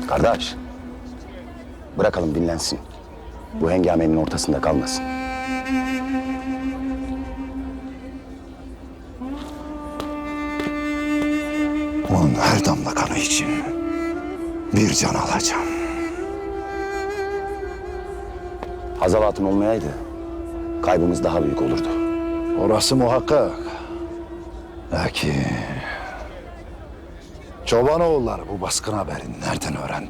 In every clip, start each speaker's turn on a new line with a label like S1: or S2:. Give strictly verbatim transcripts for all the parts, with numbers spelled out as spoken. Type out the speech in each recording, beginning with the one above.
S1: Kardeş, bırakalım dinlensin. Bu hengamenin ortasında kalmasın.
S2: Onun her damla kanı için bir can alacağım.
S1: Hazal Hatun olmayaydı, kaybımız daha büyük olurdu.
S2: Orası muhakkak. Lakin Çobanoğulları bu baskın haberini nereden öğrendi?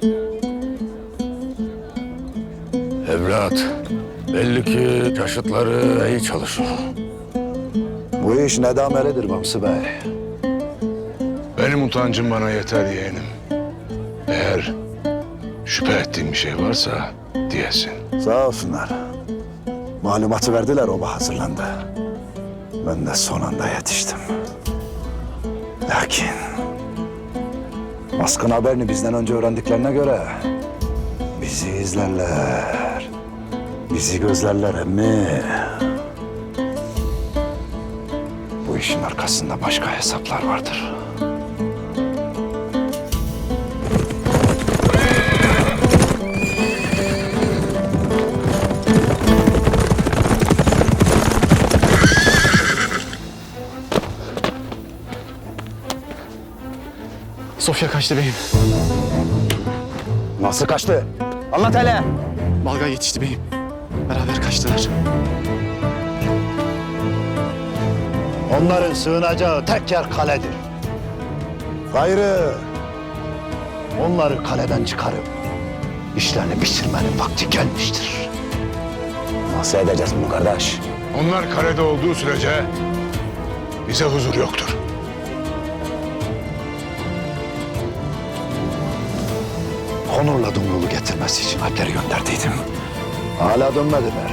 S3: Evlat, belli ki yaşıtları iyi çalışıyor.
S2: Bu iş nedamelidir Bamsı Bey.
S3: Benim utancım bana yeter yeğenim. Eğer şüphe ettiğin bir şey varsa diyesin.
S2: Sağ olsunlar. Malumatı verdiler, oba hazırlandı. Ben de son anda yetiştim. Lakin baskın haberini bizden önce öğrendiklerine göre bizi izlerler. Bizi gözlerler emmi. Bu işin arkasında başka hesaplar vardır.
S4: Sofya kaçtı beyim.
S1: Nasıl kaçtı? Anlat hele.
S4: Balgay yetişti beyim. Beraber kaçtılar.
S2: Onların sığınacağı tek yer kaledir. Gayrı onları kaleden çıkarıp işlerini bitirmenin vakti gelmiştir.
S1: Nasıl edeceğiz bunu kardeş?
S3: Onlar kalede olduğu sürece bize huzur yoktur.
S2: Onur'la Dumrul'u getirmesi için alpleri gönderdiydim. Hala dönmediler.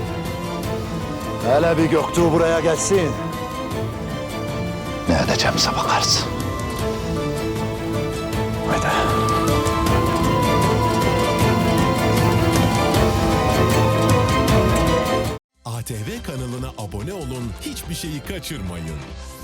S2: Hele bir Göktuğ buraya gelsin. Ne edeceğimize bakarız. Haydi.
S5: A T V kanalına abone olun, hiçbir şeyi kaçırmayın.